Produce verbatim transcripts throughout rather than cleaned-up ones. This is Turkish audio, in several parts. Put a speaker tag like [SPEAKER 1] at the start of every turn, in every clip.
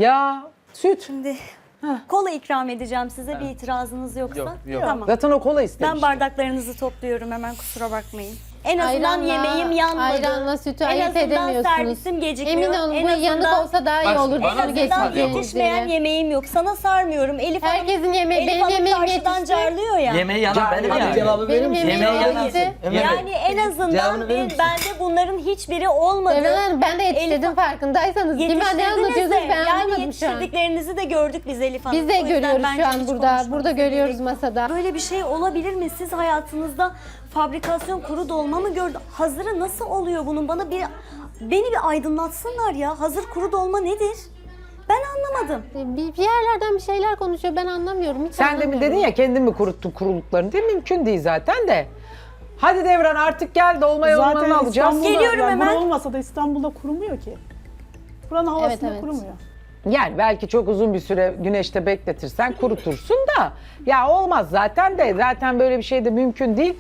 [SPEAKER 1] Ya süt.
[SPEAKER 2] Şimdi kola ikram edeceğim size, bir itirazınız yoksa.
[SPEAKER 3] Yok, yok.
[SPEAKER 2] Tamam.
[SPEAKER 1] Zaten o kola istemiş.
[SPEAKER 2] Ben bardaklarınızı topluyorum hemen, kusura bakmayın. En azından
[SPEAKER 4] Ayranla-
[SPEAKER 2] yemeğim yanmadı.
[SPEAKER 4] Ayranla sütü
[SPEAKER 2] en
[SPEAKER 4] ayırt
[SPEAKER 2] azından
[SPEAKER 4] edemiyorsunuz.
[SPEAKER 2] servisim gecikmiyor.
[SPEAKER 4] Emin olun
[SPEAKER 2] En
[SPEAKER 4] bu
[SPEAKER 2] azından-
[SPEAKER 4] yanık olsa daha iyi
[SPEAKER 3] Bak,
[SPEAKER 4] olur.
[SPEAKER 3] bana
[SPEAKER 4] Şunu
[SPEAKER 2] En azından
[SPEAKER 4] geçireceğiniz
[SPEAKER 2] yetişmeyen
[SPEAKER 4] yere.
[SPEAKER 2] yemeğim yok. Sana sarmıyorum. Elif Hanım,
[SPEAKER 4] Herkesin yemeği,
[SPEAKER 2] Elif
[SPEAKER 4] benim
[SPEAKER 2] Hanım
[SPEAKER 4] yemeğim
[SPEAKER 2] karşıdan
[SPEAKER 4] yetişti.
[SPEAKER 2] carlıyor ya.
[SPEAKER 3] Yemeği yanan benim
[SPEAKER 1] Hadi
[SPEAKER 3] yani.
[SPEAKER 5] Cevabı verir
[SPEAKER 4] Benim
[SPEAKER 5] misin?
[SPEAKER 4] yemeğim
[SPEAKER 3] Yemeği yanan.
[SPEAKER 4] yetişti.
[SPEAKER 3] Evet.
[SPEAKER 2] Yani en azından
[SPEAKER 5] Cevabını verir
[SPEAKER 2] ben,
[SPEAKER 5] misin?
[SPEAKER 2] bende bunların hiçbiri olmadı.
[SPEAKER 4] Devran Hanım ben de yetiştirdim
[SPEAKER 2] Elif-
[SPEAKER 4] farkındaysanız. Kime ne
[SPEAKER 2] Yetiştirdiniz
[SPEAKER 4] anlatıyorsunuz
[SPEAKER 2] de,
[SPEAKER 4] ben
[SPEAKER 2] yani
[SPEAKER 4] anlamadım şu an.
[SPEAKER 2] yetiştirdiklerinizi de gördük biz Elif Hanım.
[SPEAKER 4] Biz de
[SPEAKER 2] O yüzden
[SPEAKER 4] görüyoruz
[SPEAKER 2] bence
[SPEAKER 4] şu an
[SPEAKER 2] hiç
[SPEAKER 4] burada.
[SPEAKER 2] konuşmanıza
[SPEAKER 4] Burada
[SPEAKER 2] gerek
[SPEAKER 4] görüyoruz
[SPEAKER 2] yok.
[SPEAKER 4] masada.
[SPEAKER 2] Böyle bir şey olabilir mi? Siz hayatınızda fabrikasyon kuru dolma mı gördünüz? Hazırı nasıl oluyor bunun? Bana bir beni bir aydınlatsınlar ya. Hazır kuru dolma nedir? Ben anlamadım.
[SPEAKER 4] Bir, bir yerlerden bir şeyler konuşuyor ben anlamıyorum. Hiç
[SPEAKER 1] Sen de mi
[SPEAKER 4] anlamıyorum.
[SPEAKER 1] dedin ya kendin mi kuruttun kuruluklarını diye, mümkün değil zaten de. Hadi Devran artık gel, dolma yolmanı
[SPEAKER 6] Zaten
[SPEAKER 1] alacağız.
[SPEAKER 6] İstanbul'da,
[SPEAKER 2] Geliyorum
[SPEAKER 6] yani
[SPEAKER 2] hemen.
[SPEAKER 6] bura olmasa da İstanbul'da kurumuyor ki. Buranın havasında
[SPEAKER 4] evet.
[SPEAKER 6] kurumuyor.
[SPEAKER 1] Yani belki çok uzun bir süre güneşte bekletirsen kurutursun da. Ya olmaz zaten de, zaten böyle bir şey de mümkün değil.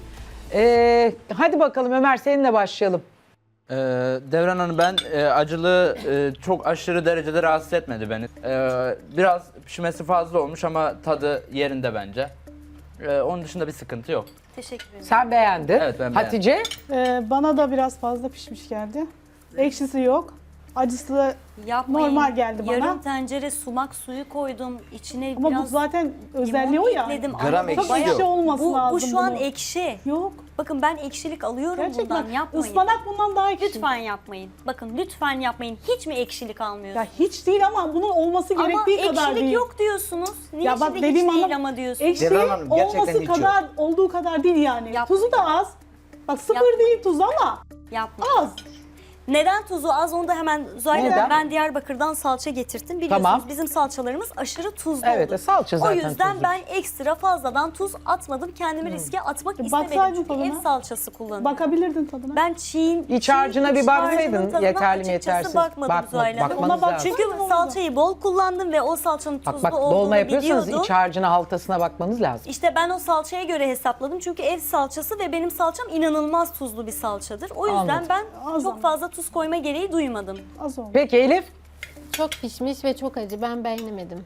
[SPEAKER 1] Ee, hadi bakalım Ömer, seninle başlayalım.
[SPEAKER 3] Ee, Devran Hanım, ben e, acılı e, çok aşırı derecede rahatsız etmedi beni. Ee, biraz pişmesi fazla olmuş ama tadı yerinde bence. Ee, onun dışında bir sıkıntı yok.
[SPEAKER 2] Teşekkür ederim.
[SPEAKER 1] Sen beğendin.
[SPEAKER 3] Evet, ben
[SPEAKER 1] Hatice?
[SPEAKER 6] Ee, bana da biraz fazla pişmiş geldi. Ekşisi yok. Acısı
[SPEAKER 2] Yapmayın.
[SPEAKER 6] normal geldi bana.
[SPEAKER 2] Yarım tencere sumak suyu koydum. İçine
[SPEAKER 6] Ama
[SPEAKER 2] biraz
[SPEAKER 6] bu zaten özelliği
[SPEAKER 2] limon
[SPEAKER 6] o ya.
[SPEAKER 2] ekledim.
[SPEAKER 5] Gram
[SPEAKER 2] Ama
[SPEAKER 5] ekşi
[SPEAKER 6] Çok
[SPEAKER 2] bayağı-
[SPEAKER 6] ekşi olması
[SPEAKER 2] bu,
[SPEAKER 6] lazım
[SPEAKER 2] Bu şu an
[SPEAKER 6] bunun.
[SPEAKER 2] ekşi.
[SPEAKER 6] Yok.
[SPEAKER 2] Bakın ben ekşilik alıyorum
[SPEAKER 6] Gerçekten.
[SPEAKER 2] bundan, yapmayın.
[SPEAKER 6] Ispanak bundan daha ekşi.
[SPEAKER 2] Lütfen yapmayın. Bakın lütfen yapmayın. Hiç mi ekşilik almıyorsunuz?
[SPEAKER 6] Ya hiç değil ama bunun olması
[SPEAKER 2] Ama
[SPEAKER 6] gerektiği kadar
[SPEAKER 2] ekşilik
[SPEAKER 6] değil.
[SPEAKER 2] yok diyorsunuz. Niye
[SPEAKER 6] Ya bak
[SPEAKER 2] şimdi hiç
[SPEAKER 6] dediğim
[SPEAKER 2] değil
[SPEAKER 6] anlam-
[SPEAKER 2] ama diyorsunuz?
[SPEAKER 6] Ekşi
[SPEAKER 5] Devran Hanım, gerçekten
[SPEAKER 6] olması
[SPEAKER 5] hiç yok.
[SPEAKER 6] kadar olduğu kadar değil yani.
[SPEAKER 2] Yap.
[SPEAKER 6] Tuzu da az. Bak sıfır
[SPEAKER 2] Yapma.
[SPEAKER 6] değil tuz ama
[SPEAKER 2] Yapmayın.
[SPEAKER 6] az.
[SPEAKER 2] Neden tuzu az, onu da hemen Zuhal
[SPEAKER 1] Neden?
[SPEAKER 2] Hanım, ben Diyarbakır'dan salça getirttim. Biliyorsunuz
[SPEAKER 1] Tamam.
[SPEAKER 2] bizim salçalarımız aşırı tuzlu
[SPEAKER 1] Evet,
[SPEAKER 2] olur.
[SPEAKER 1] e, salça zaten
[SPEAKER 2] O yüzden
[SPEAKER 1] tuzlu.
[SPEAKER 2] ben ekstra fazladan tuz atmadım. Kendimi riske atmak istemedim.
[SPEAKER 6] Baksaydın
[SPEAKER 2] Çünkü
[SPEAKER 6] tadına.
[SPEAKER 2] ev salçası kullanıyorum.
[SPEAKER 6] Bakabilirdin tadına.
[SPEAKER 2] Ben çiğin,
[SPEAKER 1] İç
[SPEAKER 2] çiğ
[SPEAKER 1] harcına bir
[SPEAKER 2] iç
[SPEAKER 1] baksaydın,
[SPEAKER 2] harcının tadına
[SPEAKER 1] yeterli mi,
[SPEAKER 2] açıkçası
[SPEAKER 1] yetersiz?
[SPEAKER 2] bakmadım
[SPEAKER 1] Bakma-
[SPEAKER 2] Zuhal Hanım.
[SPEAKER 1] bakmanız
[SPEAKER 6] Ona bak
[SPEAKER 1] lazım.
[SPEAKER 2] Çünkü
[SPEAKER 6] Olmadı.
[SPEAKER 2] salçayı bol kullandım ve o salçanın tuzlu
[SPEAKER 1] Bak bak,
[SPEAKER 2] olduğunu
[SPEAKER 1] dolma yapıyorsanız
[SPEAKER 2] biliyordum.
[SPEAKER 1] iç harcına, haltasına bakmanız lazım.
[SPEAKER 2] İşte ben o salçaya göre hesapladım. Çünkü ev salçası ve benim salçam inanılmaz tuzlu bir salçadır. O yüzden
[SPEAKER 1] Anladım.
[SPEAKER 2] ben
[SPEAKER 6] Az
[SPEAKER 2] çok
[SPEAKER 6] ama.
[SPEAKER 2] fazla tuz koyma gereği duymadım.
[SPEAKER 6] Az oldu.
[SPEAKER 1] Peki Elif?
[SPEAKER 4] Çok pişmiş ve çok acı. Ben beğenemedim.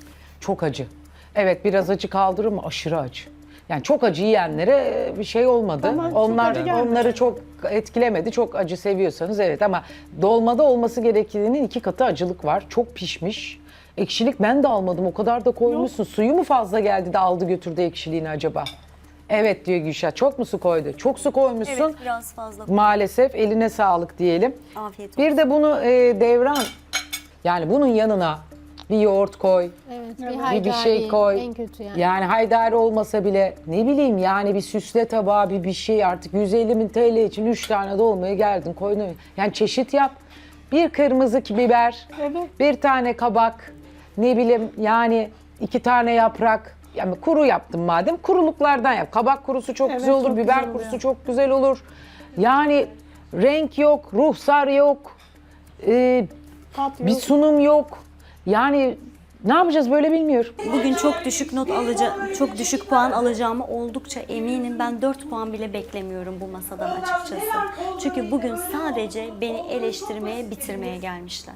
[SPEAKER 1] Çok acı. Evet, biraz acı kaldırır mı? Aşırı acı. Yani çok acı yiyenlere bir şey olmadı.
[SPEAKER 6] Bana çok
[SPEAKER 1] Onlar
[SPEAKER 6] acı gelmedi.
[SPEAKER 1] onları çok etkilemedi. Çok acı seviyorsanız evet, ama dolmada olması gerektiğinin iki katı acılık var. Çok pişmiş. Ekşilik ben de almadım. O kadar da koymuşsun. Suyu mu fazla geldi de aldı götürdü ekşiliğini acaba? Evet diyor Gülşah. Çok mu su koydu? Çok su koymuşsun.
[SPEAKER 2] Evet, biraz fazla.
[SPEAKER 1] Maalesef eline sağlık diyelim.
[SPEAKER 2] Afiyet olsun.
[SPEAKER 1] Bir de bunu e, Devran, yani bunun yanına bir yoğurt koy.
[SPEAKER 4] Evet, bir
[SPEAKER 1] Bir,
[SPEAKER 4] haydari
[SPEAKER 1] bir şey koy.
[SPEAKER 4] en kötü yani.
[SPEAKER 1] Yani haydari olmasa bile ne bileyim, yani bir süsle tabağı, bir bir şey, artık yüz elli bin T L için üç tane dolmaya geldin koydun. Yani çeşit yap. Bir kırmızı biber,
[SPEAKER 6] Evet.
[SPEAKER 1] bir tane kabak, ne bileyim yani iki tane yaprak. Yani kuru yaptım madem, kuruluklardan yap. Kabak kurusu çok
[SPEAKER 6] Evet,
[SPEAKER 1] güzel olur,
[SPEAKER 6] çok
[SPEAKER 1] biber
[SPEAKER 6] güzel
[SPEAKER 1] kurusu
[SPEAKER 6] oluyor.
[SPEAKER 1] çok güzel olur. Yani renk yok, ruhsar yok. Ee,
[SPEAKER 6] Tat
[SPEAKER 1] bir
[SPEAKER 6] yok.
[SPEAKER 1] sunum yok. Yani ne yapacağız böyle bilmiyorum.
[SPEAKER 2] Bugün çok düşük not alacağım, çok düşük puan alacağımı oldukça eminim. Ben dört puan bile beklemiyorum bu masadan açıkçası. Çünkü bugün sadece beni eleştirmeye, bitirmeye gelmişler.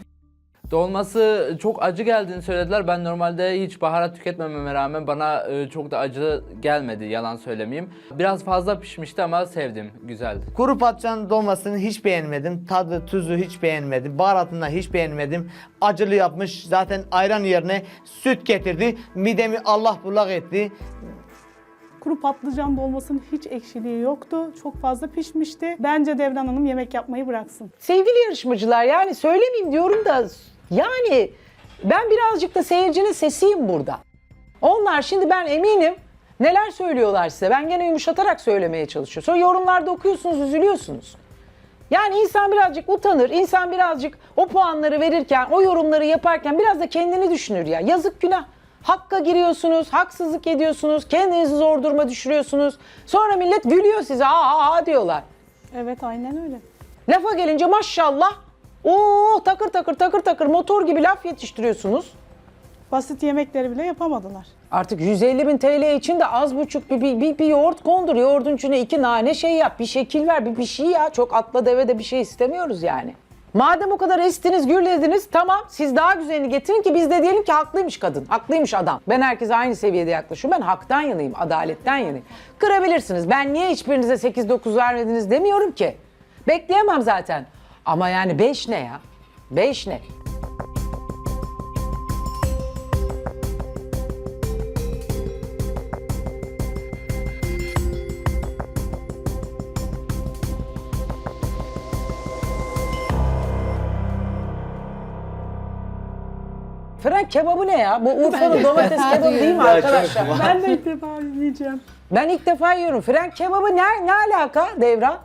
[SPEAKER 3] Dolması çok acı geldiğini söylediler. Ben normalde hiç baharat tüketmememe rağmen bana e, çok da acı gelmedi, yalan söylemeyeyim. Biraz fazla pişmişti ama sevdim, güzeldi.
[SPEAKER 5] Kuru patlıcan dolmasını hiç beğenmedim. Tadı, tuzu hiç beğenmedim. Baharatını hiç beğenmedim. Acılı yapmış. Zaten ayran yerine süt getirdi. Midemi Allah bullak etti.
[SPEAKER 6] Kuru patlıcan dolmasının hiç ekşiliği yoktu. Çok fazla pişmişti. Bence Devran Hanım yemek yapmayı bıraksın.
[SPEAKER 1] Sevgili yarışmacılar, yani söylemeyeyim diyorum da yani ben birazcık da seyircinin sesiyim burada. Onlar şimdi, ben eminim neler söylüyorlar size. Ben gene yumuşatarak söylemeye çalışıyorum. Sonra yorumlarda okuyorsunuz, üzülüyorsunuz. Yani insan birazcık utanır, insan birazcık o puanları verirken, o yorumları yaparken biraz da kendini düşünür ya. Yazık, günah. Hakka giriyorsunuz, haksızlık ediyorsunuz, kendinizi zor duruma düşürüyorsunuz. Sonra millet gülüyor size, aa aa aa diyorlar.
[SPEAKER 6] Evet aynen öyle.
[SPEAKER 1] Lafa gelince maşallah, ooo takır takır takır takır motor gibi laf yetiştiriyorsunuz.
[SPEAKER 6] Basit yemekleri bile yapamadılar.
[SPEAKER 1] Artık yüz elli bin T L için de az buçuk bir, bir, bir, bir yoğurt kondur. Yoğurdun içine iki nane şey yap, bir şekil ver, bir, bir şey ya. Çok atla deve de bir şey istemiyoruz yani. Madem o kadar estiniz, gürlediniz, tamam siz daha güzelini getirin ki biz de diyelim ki haklıymış kadın, haklıymış adam. Ben herkese aynı seviyede yaklaşıyorum. Ben haktan yanayım, adaletten yanayım. Kırabilirsiniz. Ben niye hiçbirinize sekiz dokuz vermediniz demiyorum ki. Bekleyemem zaten. Ama yani beş ne ya? beş ne? Fren kebabı ne ya? Bu Urfa'nın domates kebabı değil mi arkadaşlar?
[SPEAKER 6] Ben de ilk defa yiyeceğim.
[SPEAKER 1] Ben ilk defa yiyorum. Fren kebabı ne, ne alaka Devran?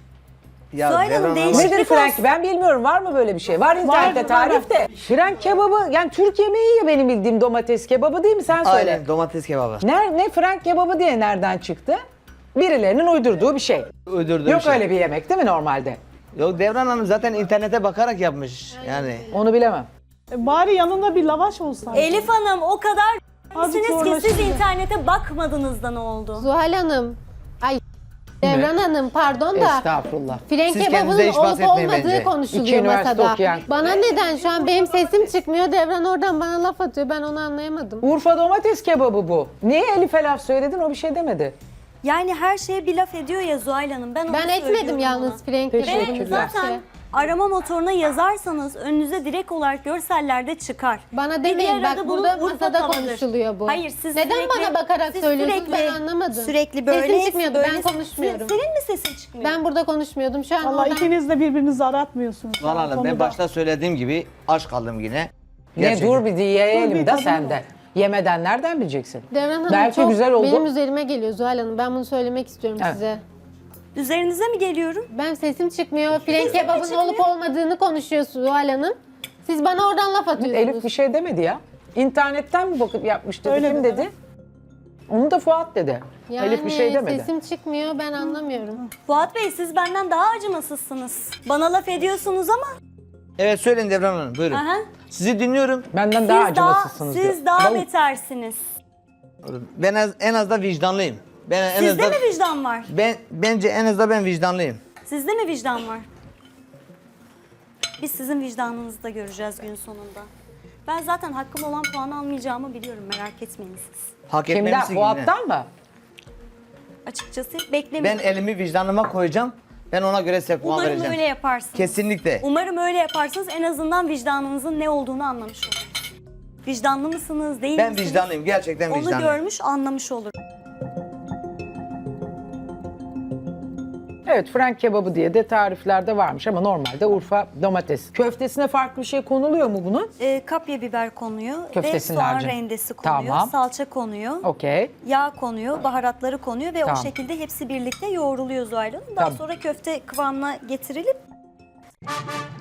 [SPEAKER 5] Ya
[SPEAKER 2] Zuhal Hanım,
[SPEAKER 5] Devran Hanım-
[SPEAKER 2] değişik-
[SPEAKER 1] Nedir
[SPEAKER 2] Teşvik
[SPEAKER 1] fren?
[SPEAKER 2] olsun.
[SPEAKER 1] Ben bilmiyorum. Var mı böyle bir şey? Var internette
[SPEAKER 6] Var,
[SPEAKER 1] tarif de. Fren kebabı yani Türk yemeği ya benim bildiğim domates kebabı değil mi? Sen söyle.
[SPEAKER 5] Aynen domates kebabı.
[SPEAKER 1] Ne, ne fren kebabı diye nereden çıktı? Birilerinin uydurduğu bir şey.
[SPEAKER 5] Uydurduğum
[SPEAKER 1] Yok
[SPEAKER 5] şey.
[SPEAKER 1] öyle bir yemek değil mi normalde?
[SPEAKER 5] Yok Devran Hanım zaten internete bakarak yapmış yani.
[SPEAKER 1] Onu bilemem.
[SPEAKER 6] E, bari yanında bir lavaş olsaydı.
[SPEAKER 2] Elif Hanım o kadar
[SPEAKER 6] Azıcık
[SPEAKER 2] misiniz ki siz
[SPEAKER 6] zorlaşınca.
[SPEAKER 2] internete bakmadınız da ne oldu?
[SPEAKER 4] Zuhal Hanım. Ay Devran Hanım pardon da.
[SPEAKER 1] Estağfurullah.
[SPEAKER 4] Fren
[SPEAKER 5] Siz
[SPEAKER 4] kebabının
[SPEAKER 5] kendinize hiç
[SPEAKER 4] olup
[SPEAKER 5] bahsetmeyin
[SPEAKER 4] olmadığı
[SPEAKER 5] bence.
[SPEAKER 1] İki
[SPEAKER 4] konuşuluyor
[SPEAKER 1] üniversite
[SPEAKER 4] masada.
[SPEAKER 1] okuyan.
[SPEAKER 4] Bana neden şu an benim sesim çıkmıyor, Devran oradan bana laf atıyor, ben onu anlayamadım.
[SPEAKER 1] Urfa domates kebabı bu. Niye Elif'e laf söyledin? O bir şey demedi.
[SPEAKER 2] Yani her şeye bir laf ediyor ya Zuhal Hanım. Ben, onu
[SPEAKER 4] Ben etmedim
[SPEAKER 2] söylüyorum
[SPEAKER 4] yalnız
[SPEAKER 2] ona.
[SPEAKER 4] fren
[SPEAKER 1] Teşekkürler.
[SPEAKER 4] kebabını.
[SPEAKER 2] Zaten arama motoruna yazarsanız önünüze direkt olarak görsellerde çıkar.
[SPEAKER 4] Bana
[SPEAKER 2] Bir
[SPEAKER 4] demeyin,
[SPEAKER 2] diğer
[SPEAKER 4] bak
[SPEAKER 2] adı bunun
[SPEAKER 4] burada
[SPEAKER 2] Urfa
[SPEAKER 4] masada
[SPEAKER 2] tavadır.
[SPEAKER 4] konuşuluyor bu.
[SPEAKER 2] Hayır siz
[SPEAKER 4] Neden
[SPEAKER 2] sürekli,
[SPEAKER 4] bana bakarak
[SPEAKER 2] siz
[SPEAKER 4] söylüyorsunuz,
[SPEAKER 2] sürekli-
[SPEAKER 4] ben anlamadım.
[SPEAKER 2] Sürekli böyle.
[SPEAKER 4] Sesim çıkmıyordu,
[SPEAKER 2] böyle-
[SPEAKER 4] ben konuşmuyorum.
[SPEAKER 2] Senin mi sesin çıkmıyor?
[SPEAKER 4] Ben burada konuşmuyordum şu an
[SPEAKER 6] Valla
[SPEAKER 4] oradan.
[SPEAKER 6] ikiniz de birbirinizi aratmıyorsunuz.
[SPEAKER 5] Zuhal Hanım ben
[SPEAKER 6] Konuda.
[SPEAKER 5] başta söylediğim gibi aç kaldım yine.
[SPEAKER 1] Ne
[SPEAKER 5] Gerçekten.
[SPEAKER 1] dur bir
[SPEAKER 6] Dur
[SPEAKER 1] diyelim
[SPEAKER 6] bir
[SPEAKER 1] de
[SPEAKER 6] tadına
[SPEAKER 1] sen de.
[SPEAKER 6] bak.
[SPEAKER 1] Yemeden nereden bileceksin?
[SPEAKER 4] Devran Hanım
[SPEAKER 1] Belki
[SPEAKER 4] çok
[SPEAKER 1] güzel oldu.
[SPEAKER 4] benim üzerime geliyor Zuhal Hanım. Ben bunu söylemek istiyorum
[SPEAKER 1] Evet.
[SPEAKER 4] size.
[SPEAKER 2] Üzerinize mi geliyorum?
[SPEAKER 4] Ben sesim çıkmıyor. Fren kebabının olup olmadığını konuşuyorsun Zuhal Hanım. Siz bana oradan laf atıyorsunuz.
[SPEAKER 1] Elif bir şey demedi ya. İnternetten mi bakıp yapmış dedi?
[SPEAKER 6] Öyle
[SPEAKER 1] Kim
[SPEAKER 6] dedi.
[SPEAKER 1] dedi? Onu da Fuat dedi.
[SPEAKER 4] Yani
[SPEAKER 1] Elif bir şey demedi.
[SPEAKER 4] sesim çıkmıyor, ben anlamıyorum.
[SPEAKER 2] Fuat Bey siz benden daha acımasızsınız. Bana laf ediyorsunuz ama.
[SPEAKER 5] Evet söyleyin Devran Hanım buyurun.
[SPEAKER 2] Aha.
[SPEAKER 5] Sizi dinliyorum.
[SPEAKER 1] Benden
[SPEAKER 2] Siz
[SPEAKER 1] daha
[SPEAKER 2] daha,
[SPEAKER 1] acımasızsınız diyor.
[SPEAKER 2] siz daha
[SPEAKER 1] Ben-
[SPEAKER 2] betersiniz.
[SPEAKER 5] Ben az, en az da vicdanlıyım. Ben en az
[SPEAKER 2] Sizde
[SPEAKER 5] da,
[SPEAKER 2] mi vicdan var?
[SPEAKER 5] ben bence en az da ben vicdanlıyım.
[SPEAKER 2] Sizde mi vicdan var? Biz sizin vicdanınızı da göreceğiz gün sonunda. Ben zaten hakkım olan puanı almayacağımı biliyorum, merak etmeyin siz.
[SPEAKER 5] Hak
[SPEAKER 1] Kimden?
[SPEAKER 5] etmemişsin yine.
[SPEAKER 1] Fuat'tan mı?
[SPEAKER 2] Açıkçası
[SPEAKER 5] Ben
[SPEAKER 2] beklemiyorum.
[SPEAKER 5] elimi vicdanıma koyacağım. Ben ona göre size puan
[SPEAKER 2] Umarım
[SPEAKER 5] vereceğim.
[SPEAKER 2] öyle yaparsınız.
[SPEAKER 5] Kesinlikle.
[SPEAKER 2] Umarım öyle yaparsınız. En azından vicdanınızın ne olduğunu anlamış oluruz. Vicdanlı mısınız, değil
[SPEAKER 5] Ben
[SPEAKER 2] misiniz?
[SPEAKER 5] vicdanlıyım. Gerçekten
[SPEAKER 2] Onu
[SPEAKER 5] vicdanlıyım.
[SPEAKER 2] görmüş, anlamış olur.
[SPEAKER 1] Evet, fren kebabı diye de tariflerde varmış ama normalde Urfa domates. Köftesine farklı bir şey konuluyor mu bunun?
[SPEAKER 2] Ee, kapya biber konuyor
[SPEAKER 1] Köftesinin
[SPEAKER 2] ve soğan
[SPEAKER 1] harcı.
[SPEAKER 2] rendesi konuyor,
[SPEAKER 1] Tamam.
[SPEAKER 2] salça konuyor,
[SPEAKER 1] Okey.
[SPEAKER 2] yağ konuyor, baharatları konuyor ve
[SPEAKER 1] Tamam.
[SPEAKER 2] o şekilde hepsi birlikte yoğruluyor Zuhal Hanım. Daha
[SPEAKER 1] Tamam.
[SPEAKER 2] sonra köfte kıvamına getirilip